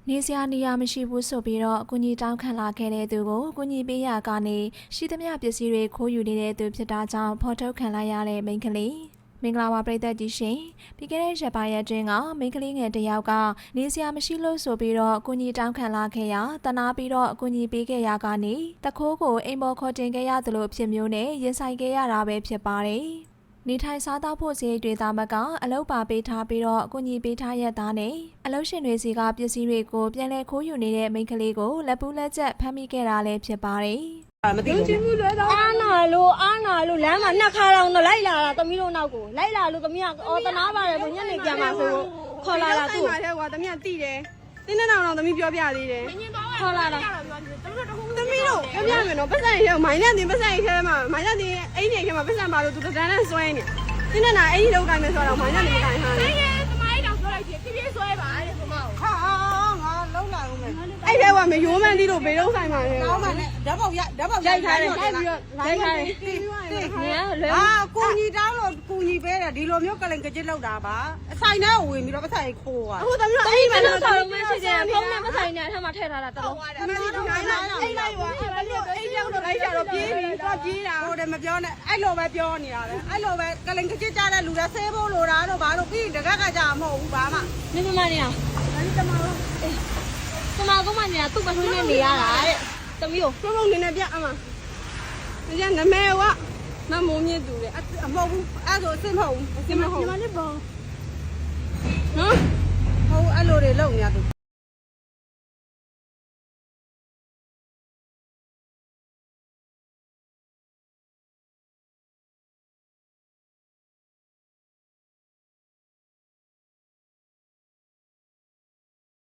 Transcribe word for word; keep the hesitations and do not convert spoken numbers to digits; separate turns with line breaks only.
နေစရာနေရာမရှိဘူးဆိုပြီးတော့အကူကြီးတောင်းခံလာခဲ့တဲ့သူကိုအကူကြီးပေးရကနေရှိသမျှပစ္စည်းတွေခိုးယူနေတဲ့သူဖြစ်တာကြောင့်ဖော်ထုတ်ခံလိုက်ရတဲ့မိန်းကလေးမင်္ဂလာပါပရိသတ်ကြီးရှင်ပြီးခဲ့တဲ့ရက်ပိုင်းရက်တွင်ကမိန်းကလေးငယ်တစ်ယောက်ကနေစရာမရှိလို့ဆိုပြီးတော့အကူကြီးတောင်းခံလာခဲ့ရတနာပြီးတော့အကူကြီးပေးခဲ့ရကနေတခိုးကိုအိမ်ပေါ်ခေါ်တင်ခဲ့ရသလိုဖြစ်မျိုးနဲ့ရင်ဆိုင်ခဲ့ရတာပဲဖြစ်ပါတယ်နေထိုင်စားသောက်ဖို့စရိတ်တွေသားမကအလုပ်ပါပေးထားပြီးတော့အကူကြီးပေးထားရတဲ့သားနဲ့အလုပ်ရှင်တွေစီကပစ္စည်းတွေကိုပြန်လည်ခိုးယူနေတဲ့မိန်းကလေးကိုလက်ပူးလက်ချက်ဖမ်းမိခဲ့တာလည်းဖြစ်ပါတယ်
မသိဘူးအာနာလို့အာနာလို့လမ်းမှာနှစ်ခါတော့လိုက်လာတာသမီးတို့နောက်ကိုလိုက်လာလို့သမီးကအော်တနာပါတယ်ကိုညနေပြန်มาဆိုခေါ်လာတာသူ့
ထဲကွာသမီးကတိတယ်တင်းတဲ့တောင်တော့သမီးပြောပြသေးတယ်
ခေါ်လာတာ
သမီးတို့ပြောပြမယ်နော်ပတ်စံရဲမိုင်းနဲ့တင်ပတ်စံရဲထဲမှာမိုင်းနဲ့တင်အိမ်ကြီးထဲမှာပတ်စံပါလို့သူတန်းနဲ့ဆွဲနေတင်းတဲ့နာအိမ်ကြီးလောက်တိုင်းပဲဆိုတော့မိုင်းနဲ့တင်တိုင်းဟာ
သမိုင်းတောင်ပြောလိုက်ပြီပြပြဆွဲပါတဲ့သမောက်
ဟာငါလုံးလာဦးမယ်အဲ့ထဲကမရိုးမှန်းသီးလို့ဘေးလုံးဆိုင်ပါလေ
ကောင်းပါနဲ့ဓာတ်ပေါက်ရဓာတ်ပေါက်ရိုက်ထားတယ်ရိုက်ပြီးတော့ရိုက်ထားတယ်နေရလွယ်
ဟာကိုကြီးတောင်းလို့ကိုကြီးပေးတယ်ဒီလိုမျိုးကလင်ကကြစ်လောက်တာပါအဆိုင်ထဲဝင်ပြီးတော့ပတ်စံရဲခိုးอ่ะ
အခုသမီးတို့အိမ်မှာလောက်ဆောင်လို့မရှိသေးဘူးဖုန်းနဲ့ပတ်ဆိုင်နဲ့အထက်မှာထည့်ထားတာတလုံး
သမီးတို့ခိုင်းလာအိမ်လိုက်ပါအဲ့လိုအိမ်ရောက်တော့လိုက်ကြတော့ပြေးပြီးတော့ပြေးတာဟိုတယ်မပြောနဲ့အဲ့လိုပဲပြောနေတာလေအဲ့လိုပဲကလင်ကကြစ်ကြတဲ့လူတွေဆဲဖို့လိုတာတော့ဘာလို့ပြီးတကက်ကကြမဟုတ်ဘူးဘာမှ
နေမမနေအောင်
ဒါကြီးတမလို့
တမကုန်းမနေတာသူ့မထွေးနဲ့နေရတာတဲ့သမီးကို
ပြုံးပြုံးနေနေပြအမဒီကနမဲဝမမိုးမြင့်သူလေအမဟုတ်ဘူးအဲ့ဆိုအစ်မဟုတ်ဘူးအစ်မဟုတ်ဒီမှာလေးပေါ့နော်ဟုတ်အဲ့လိုတွေလုံနေရသူ